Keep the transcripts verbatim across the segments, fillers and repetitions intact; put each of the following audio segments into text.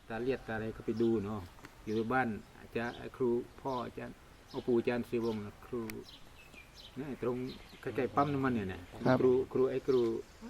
ตาเลียดตาอะไรก็ไปดูเนาะอยู่บ้านอาจารย์ครูพ่ออาจารย์เอาปู่อาจารย์ศิวงศ์ครูนี่ตรงใกล้ๆปั๊มน้ำมันเนี่ยนะครูครูไอ้ครู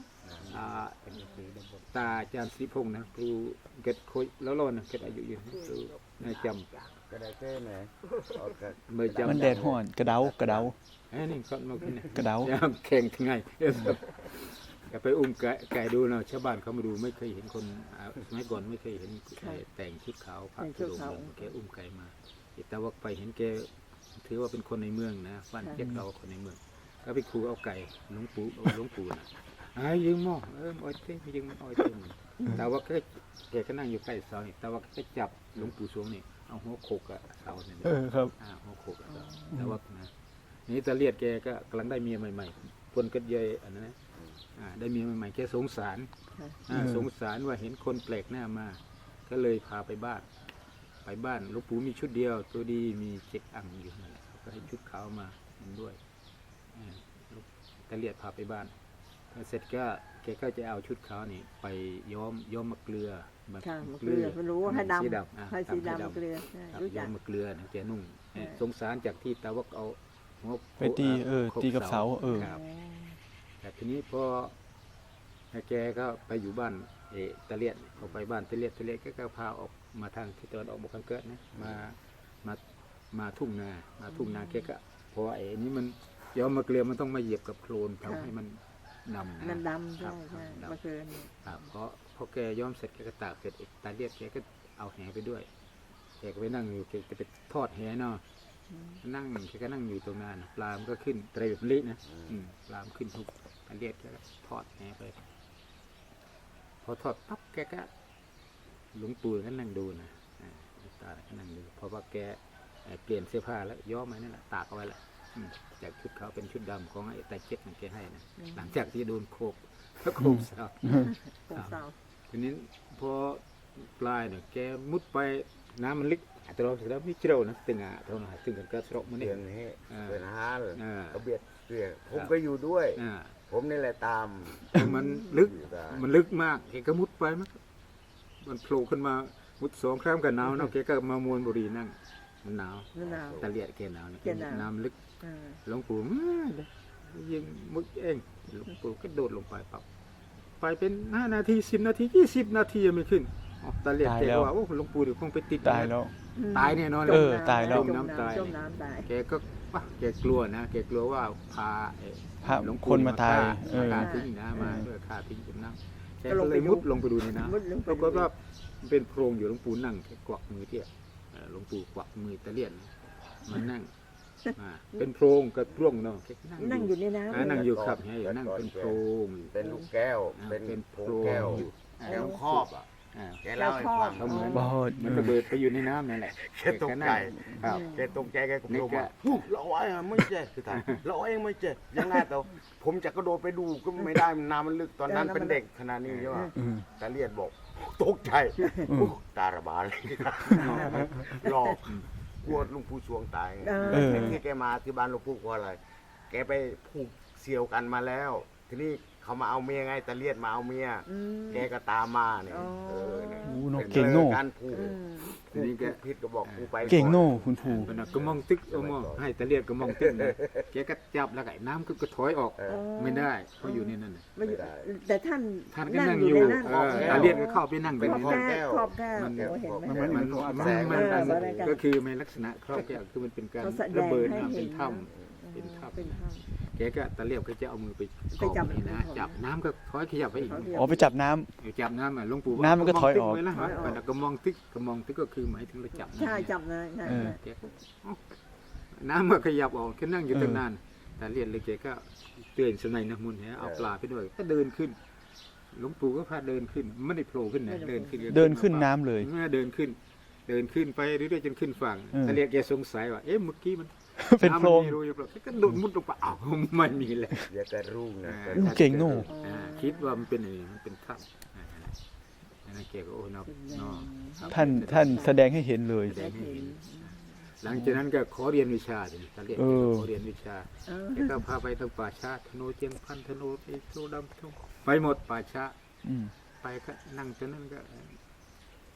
ตาอาจารย์ศิพงศ์นะครูเกิดคุยแล้วรอนะเกิดอายุยืนครูน่าจำก็ได้แค่ไหนมันแดดห่อนกระเดากระเดาไอ้นี่ก็มาขึ้นนะกระเดาแข่งทั้งไงอย่าไปอุ้มไก่ไก่ดูนะชาวบ้านเขามาดูไม่เคยเห็นคนสมัยก่อนไม่เคยเห็นแต่งชุดขาวผ้าตุลงแกอุ้มไก่มาแต่ว่าไปเห็นแกถือว่าเป็นคนในเมืองนะบ้านเจ็ดเราคนในเมืองก็ไปขู่เอาไก่หลวงปู่หลวงปู่นะไอ้ยืมหม้อเอออ้อยเต้ยืมมันอ้อยเต้แต่ว่าแกแกก็นั่งอยู่ใกล้เสาแต่ว่าแกจับหลวงปู่สวงนี่เอาหัวโขกกับเสาเนี่ยเออครับอ่าหัวโขกกับเสาแต่ว่านะนี่ตาเลียดแกก็กำลังได้เมียใหม่ๆคนก็เยยอันนั้นนะได้เมียใหม่ๆแกสงสารสงสารว่าเห็นคนแปลกหน้ามาก็เลยพาไปบ้านไปบ้านหลวงปู่มีชุดเดียวตัวดีมีเช็คอังอยู่นั่นแหละก็ให้ชุดขาวมาด้วยตาเลียดพาไปบ้านเสร็จก็แกก็จะเอาชุดขาวนี่ไปย้อมย้อมมะเกลือมะเกลือไม่รู้ว่าให้ดำให้สีดำมะเกลือย้อมมะเกลือแกนุ่งสงสารจากที่ตาวักเอาไปตีเออตีกับเสาเออแต่ทีนี้พอแกก็ไปอยู่บ้านเอตะเลียดออกไปบ้านตะเลียดตะเลียดก็พาออกมาทางที่ตะวันออกบกเกิดนะมามามาทุ่งนามาทุ่งนาแกก็เพราะไอ้นี้มันย้อมมะเกลือมันต้องมาเหยียบกับโคลนทำให้มันดำมันดำใช่ใช่มะเกลือนี่เพราะพอแกย้อมเสร็จแกก็ตากเสร็จตาเลียดแกก็เอาแหไปด้วยแกก็ไปนั่งอยู่แกจะไปทอดแหเนาะนั่งแกก็นั่งอยู่ตรงนั้นปลามันก็ขึ้นไตรแบบนี้นะปลามขึ้นทุกตาเลียดแกก็ทอดแหไปพอทอดปั๊บแกก็หลวงปู่ก็นั่งดูนะตาก็นั่งดูเพราะว่าแกเปลี่ยนเสื้อผ้าแล้วย้อมไว้นั่นแหละตากเอาไว้แหละจากชุดเขาเป็นชุดดำของไอ้ตาเจ็ดนั่นแกให้นะหลังจากที่โดนโคกแล้วโคกเสาทีนี้พอปลายเนี่ยแกมุดไปน้ำมันลึกแต่เราสุดแล้วไม่เจอนะตึงอ่ะเท่านั้นตึงกันก็สระมันเนี่ยเป็นฮาร์กระเบียดเสียผมก็อยู่ด้วยผมนี่แหละตามมันลึกมันลึกมากแกก็มุดไปมั้งมันโผล่ขึ้นมามุดสองครั้งกันหนาวเนาะแกก็มามวนบุรีนั่งมันหนาวตะเลียดแกหนาวเนี่ยน้ำลึกหลวงปู่ยิงมุดเองหลวงปู่ก็โดดลงไปปับไปเป็นห้านาทีสิบนาทียี่สิบนาทียังไม่ขึ้นตะเลียดแกว่าโอ้หลวงปู่เดี๋ยวคงไปติดตายแล้วตายแน่นอนเออตายแล้วจมน้ำตายแกก็ว่าแกกลัวนะแกกลัวว่าพาหลวงคนมาตายฆ่าทิ้งนะมาด้วยฆ่าทิ้งจมน้ำแกก็เลยมุดลงไปดูในน้ำปรากฏว่าเป็นโพรงอยู่หลวงปู่นั่งแกกวักมือเที่ยหลวงปู่กวักมือตะเลียดมันนั่งเป็นโพรงกระร่วงเนาะนั่งอยู่ในน้ำนั่งอยู่ครับให้นั่งเป็นโพรงเป็นลูกแก้วเป็นโพรงแก้วแก้วครอบอ่ะแกเล่าให้ฟังเหมือนมันระเบิดไปอยู่ในน้ำนั่นแหละแกตกใจแกตกใจแกก็บอกว่าเราไอ้ไม่เจ็บคือถ่ายเราเองไม่เจ็บยังไงแต่ผมจะกระโดดไปดูก็ไม่ได้น้ำมันลึกตอนนั้นเป็นเด็กขนาดนี้ใช่ไหมตาเลียดบอกตกใจตาระบาดเลยหลอกกลัวลุงปู่สวงตายที่แกมาที่บ้านลุงปู่เพราะอะไรแกไปผูกเสี่ยวกันมาแล้วทีนี้เขามาเอาเมียไงตะเลียดมาเอาเมียแกก็ตามมาเนี่ยเออเนี่ยเก่งโน่การผูกทีนี้แกพิษก็บอกผูไปเก่งโน่คุณผูก็มองตึกเอามองให้ตะเลียดก็มองตึกแกก็จับแล้วไก่น้ำก็ถอยออกไม่ได้เพราะอยู่ในนั้นไม่ได้แต่ท่านท่านก็นั่งอยู่ตะเลียดก็เข้าไปนั่งเป็นครอบแก้วครอบแก้วมันมันมันมันก็คือในลักษณะครอบแก้วคือมันเป็นการระเบิดน้ำเป็นถ้ำเป็นถ้ำแกก็ตะเลียบก็จะเอามือไปจับนี่นะจับน้ำก็ถอยขยับไปอีกอ๋อไปจับน้ำจับน้ำอ่ะหลวงปู่น้ำมันก็ถอยออกนะแต่ก็มองตึกก็มองตึกก็คือหมายถึงเราจับใช่จับเลยแกน้ำมันขยับออกแค่นั่งอยู่ตั้งนานแต่เลียนเลยแกก็เตือนสนัยนะมุนแหเอาปลาไปด้วยก็เดินขึ้นหลวงปู่ก็พาเดินขึ้นไม่ได้โผล่ขึ้นนะเดินขึ้นเดินขึ้นน้ำเลยเมื่อเดินขึ้นเดินขึ้นไปเรื่อยๆจนขึ้นฝั่งแต่เลียนแกสงสัยว่าเอ๊ะเมื่อกี้มันเป็นโพรงก็โดดมุดลงไปอ้าวไม่มีเลยอย่าแต่รุ่งนะเก่งโน่คิดว่ามันเป็นอะไรมันเป็นถ้ำนั่นเกี่ยวกับโอ้นอท่านท่านแสดงให้เห็นเลยหลังจากนั้นก็ขอเรียนวิชาเลยท่านเรียนขอเรียนวิชาแล้วก็พาไปตั้งป่าช้าธนูเจียงพันธนูไอ้โซดำไปหมดป่าช้าไปก็นั่งจนนั้นก็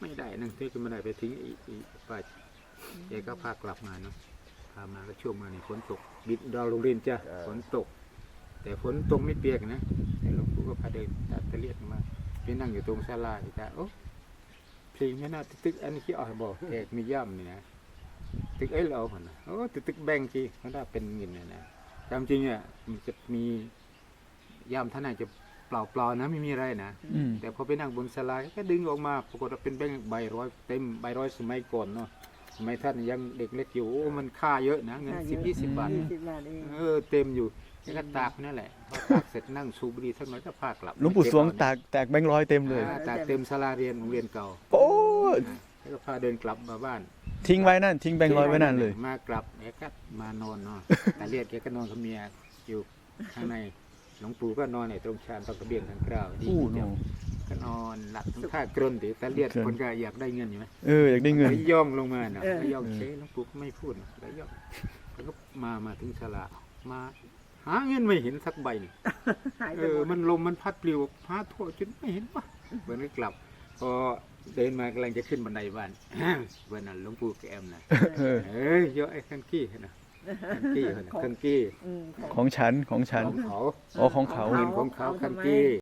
ไม่ได้นั่งที่ก็ไม่ได้ไปทิ้งอีอีป้าแกก็พากลับมาเนาะพามาก็ช่วงมานี่ฝนตกบิดดาวโรงเรียนจ้ะฝนตก แต่ฝนตกไม่เปียกนะแต่หลวงปู่ก็พาเดินตัดตะเลียดมาไปนั่งอยู่ตรงศาลาอีกจ้ะโอ้เพลงไม่น่าตึกอันนี้ขี้อ่อยบอกแขกมีย่ำนี่นะตึกไอ้เราคนนะโอ้ตึกตึกแบงกี้เขาได้เป็นเงินนะนะจำจริงอ่ะมันจะมีย่ำท่านไหนจะเปล่าเปล่านะไม่มีอะไรนะอืมแต่พอไปนั่งบนศาลาก็ดึงออกมาปรากฏว่าเป็นแบงค์ใบร้อยเต็มใบร้อยสมัยก่อนเนาะสมัยท่านยังเด็กเล็กอยู่โอ้มันค่าเยอะนะเงินสิบยี่สิบบาทยี่สิบบาทเองเออเต็มอยู่แล้วก็ตากนั่นแหละพอตากเสร็จนั่งสูบบุหรี่สักหน่อยก็พากลับหลวงปู่สวงตากแตกแบงค์ร้อยเต็มเลยอ่าตากเต็มศาลาเรียนโรงเรียนเก่าโอ้แล้วก็พาเดินกลับมาบ้านทิ้งไว้นั่นทิ้งแบงค์ร้อยไว้นั่นเลยมากลับแกก็มานอนเนาะตาเลียดแกก็นอนกับเมียอยู่ข้างในหลวงปู่ก็นอนในตรงชานตรงกระเบียงทางเกล้าดีโอ้โหเดียวก็นอนหลับทั้งท่ากรนดิตาเลียดคนก็อยากได้เงินอยู่ไหมเอออยากได้เงินแล้วย่องลงมาเนาะแล้วย่องเฉยหลวงปู่ก็ไม่พูดนะแล้วย่องแล้วก็มามาถึงศาลามาหาเงินไม่เห็นสักใบหนึ่งหายเอไปอหมดมันลมมันพัดปลิวพาทั่วจนไม่เห็นปะเบิ้นก็กลับ พอเดินมากำลังจะขึ้นบันไดบ้าน เบิ้นน่ะหลวงปู่แกแอมนะเออเอ้ยเยอะไอ้ขันกี้นะขันกี้นะขันกี้อืมของของฉันของฉันของเขาอ๋อของเขาเงินของเขาขันกี้